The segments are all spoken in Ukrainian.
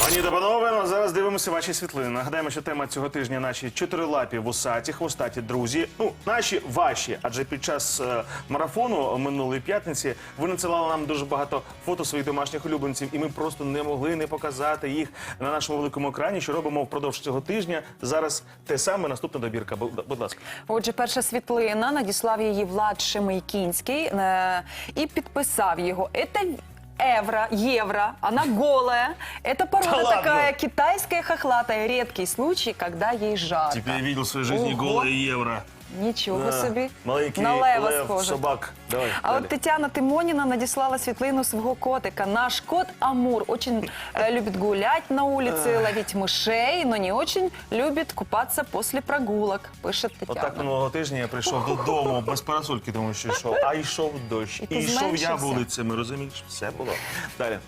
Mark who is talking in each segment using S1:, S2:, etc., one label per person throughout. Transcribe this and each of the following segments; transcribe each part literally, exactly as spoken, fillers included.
S1: Пані та панове, ну, зараз дивимося ваші світлини. Нагадаємо, що тема цього тижня – наші чотирилапі вусаті, хвостаті друзі. Ну, наші, ваші, адже під час е, марафону минулої п'ятниці ви надсилали нам дуже багато фото своїх домашніх улюбленців, і ми просто не могли не показати їх на нашому великому екрані, що робимо впродовж цього тижня. Зараз те саме, наступна добірка. Будь, будь ласка.
S2: Отже, перша світлина, надіслав її Влад Шемейкінський е, і підписав його. Це Евро, евро, она голая. Это порода
S1: Да
S2: такая
S1: ладно?
S2: китайская, хохлатая. Редкий случай, когда ей жарко.
S1: Теперь я видел в своей жизни
S2: Ого.
S1: голое евро.
S2: Нічого
S1: Да.
S2: собі.
S1: Маленький
S2: На лева
S1: лев,
S2: схоже.
S1: собак. Давай,
S2: А
S1: далі.
S2: от Тетяна Тимоніна надіслала світлину свого котика. Наш кот Амур очень э, любит гулять на улице, ловить мышей, но не очень любит купаться после прогулок, пише Тетяна.
S1: Отак минулого тижня я прийшов додому без парасольки, тому що йшов, а йшов дощ.
S2: І ти
S1: І йшов я
S2: зменшився?
S1: вулицями, розумієш? Все було. Далі.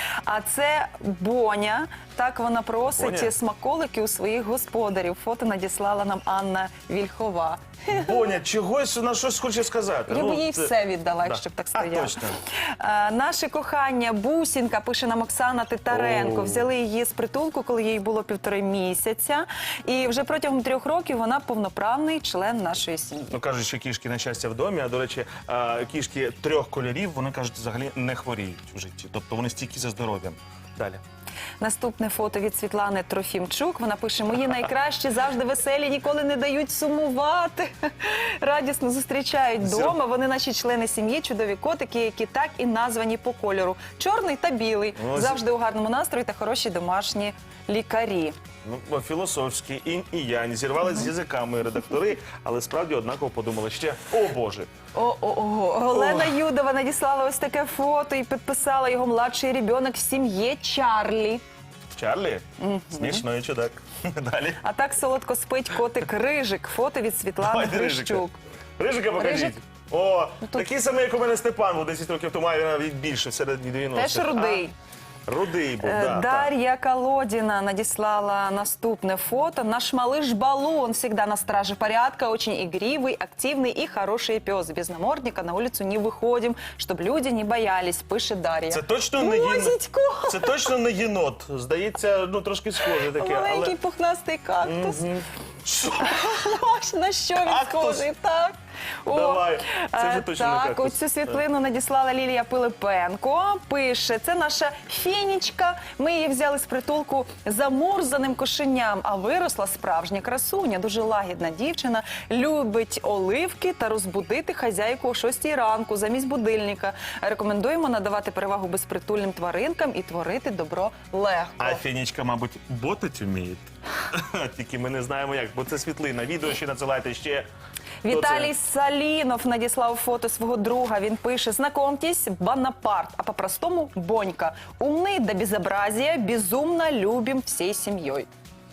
S2: А це Боня. Так вона просить
S1: Боня?
S2: смаколики у своїх господарів. Фото надіслала нам Анна Вільхова.
S1: Боня, чогось на щось хоче сказати.
S2: Я
S1: Ну,
S2: б їй
S1: це-
S2: все віддала,
S1: Да.
S2: якщо б так
S1: А,
S2: стояло.
S1: точно.
S2: А, наше кохання Бусінка, пише нам Оксана Титаренко.
S1: О.
S2: Взяли її з притулку, коли їй було півтори місяця. І вже протягом трьох років вона повноправний член нашої сім'ї.
S1: Ну, кажуть, що кішки на щастя в домі, а, до речі, а, кішки трьох кольорів, вони, кажуть, взагалі не хворіють в житті. Тобто вони стійкі за здоров'ям. Далі.
S2: Наступне фото від Світлани Трофімчук. Вона пише: мої найкращі завжди веселі, ніколи не дають сумувати. Радісно зустрічають вдома. Вони наші члени сім'ї, чудові котики, які так і названі по кольору. Чорний та білий.
S1: Ось.
S2: Завжди у гарному настрої та хороші домашні лікарі.
S1: Ну, філософські, інь і янь. Зірвали з язиками редактори, але справді однаково подумали ще, о Боже.
S2: О, о, о. Олена Юдова надіслала ось таке фото і підписала його младший ребенок в сім'ї Чарлі.
S1: Чарлі? Смішний чудак. Далі.
S2: А так солодко спить котик Рижик. Фото від Світлани
S1: Давайте Рижика.
S2: Грищук.
S1: Рижика покажіть.
S2: Рижик?
S1: О,
S2: тут-
S1: такий самий, як у мене Степан, був десять років тому, а він навіть більше, в середині дев'яностих.
S2: Теж рудий.
S1: А, рудий був,
S2: Э,
S1: да, так.
S2: Дарья Колодина надіслала наступне фото. Наш малыш Балу, он всегда на страже порядка, очень игривый, активный и хороший пес. Без намордника на улицу не выходим, чтобы люди не боялись, пише Дар'я.
S1: Це точно не єнот.
S2: Мозічко!
S1: Це точно не єнот. Здається, ну трошки схоже таке.
S2: Маленький
S1: Але...
S2: пухнастий кактус.
S1: Що?
S2: Ось на що він
S1: Кактус?
S2: схожий, так. О,
S1: Давай, це вже
S2: е,
S1: точно не
S2: так,
S1: кактус.
S2: оцю світлину надіслала Лілія Пилипенко. Пише, це наша фінічка. Ми її взяли з притулку замурзаним кошеням, а виросла справжня красуня. Дуже лагідна дівчина, любить оливки та розбудити хазяйку о шостій ранку замість будильника. Рекомендуємо надавати перевагу безпритульним тваринкам і творити добро легко.
S1: А Фінічка, мабуть, ботить вміє. Тільки ми не знаємо як, бо це світлина. Відео ще надсилайте ще.
S2: Віталій
S1: Хто
S2: Салінов надіслав фото свого друга. Він пише: знакомьтесь, Бонапарт, а по-простому Бонька. Умний до безобразия, безумно любим всією сім'єю.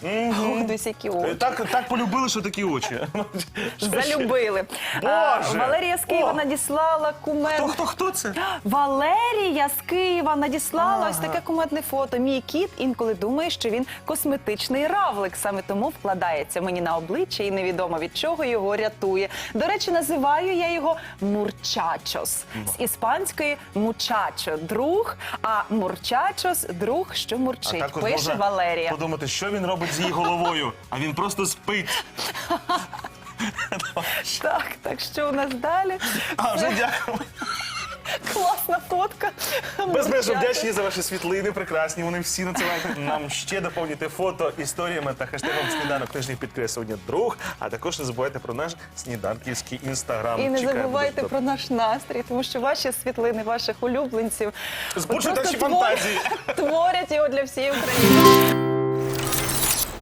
S2: Ох, десь які
S1: це?
S2: очі.
S1: Так, так полюбили, що такі очі. Що ще?
S2: Залюбили.
S1: Боже!
S2: А, Валерія з Києва
S1: О!
S2: надіслала кумед.
S1: Хто, хто, хто це?
S2: Валерія з Києва надіслала
S1: Ага.
S2: ось таке кумедне фото. Мій кіт інколи думає, що він косметичний равлик. Саме тому вкладається мені на обличчя і невідомо від чого його рятує. До речі, називаю я його мурчачос. З іспанської мучачо – друг, а мурчачос – друг, що мурчить.
S1: також
S2: Пише
S1: можна
S2: Валерія.
S1: подумати, що він робить з її головою, а він просто спить.
S2: Так, так що у нас далі?
S1: А, вже дякую.
S2: Класна фотка.
S1: Безмежно
S2: Мурчачо.
S1: вдячні за ваші світлини, прекрасні. Вони всі надсилайте нам ще доповнюйте фото історіями та хештегом «Сніданок тижнів підкреслення друг», а також не забувайте про наш сніданківський інстаграм.
S2: І не
S1: Чекаємо
S2: забувайте
S1: дуже
S2: про наш настрій, тому що ваші світлини, ваших улюбленців
S1: Збуджують
S2: просто
S1: наші фантазії.
S2: творять його для всієї України.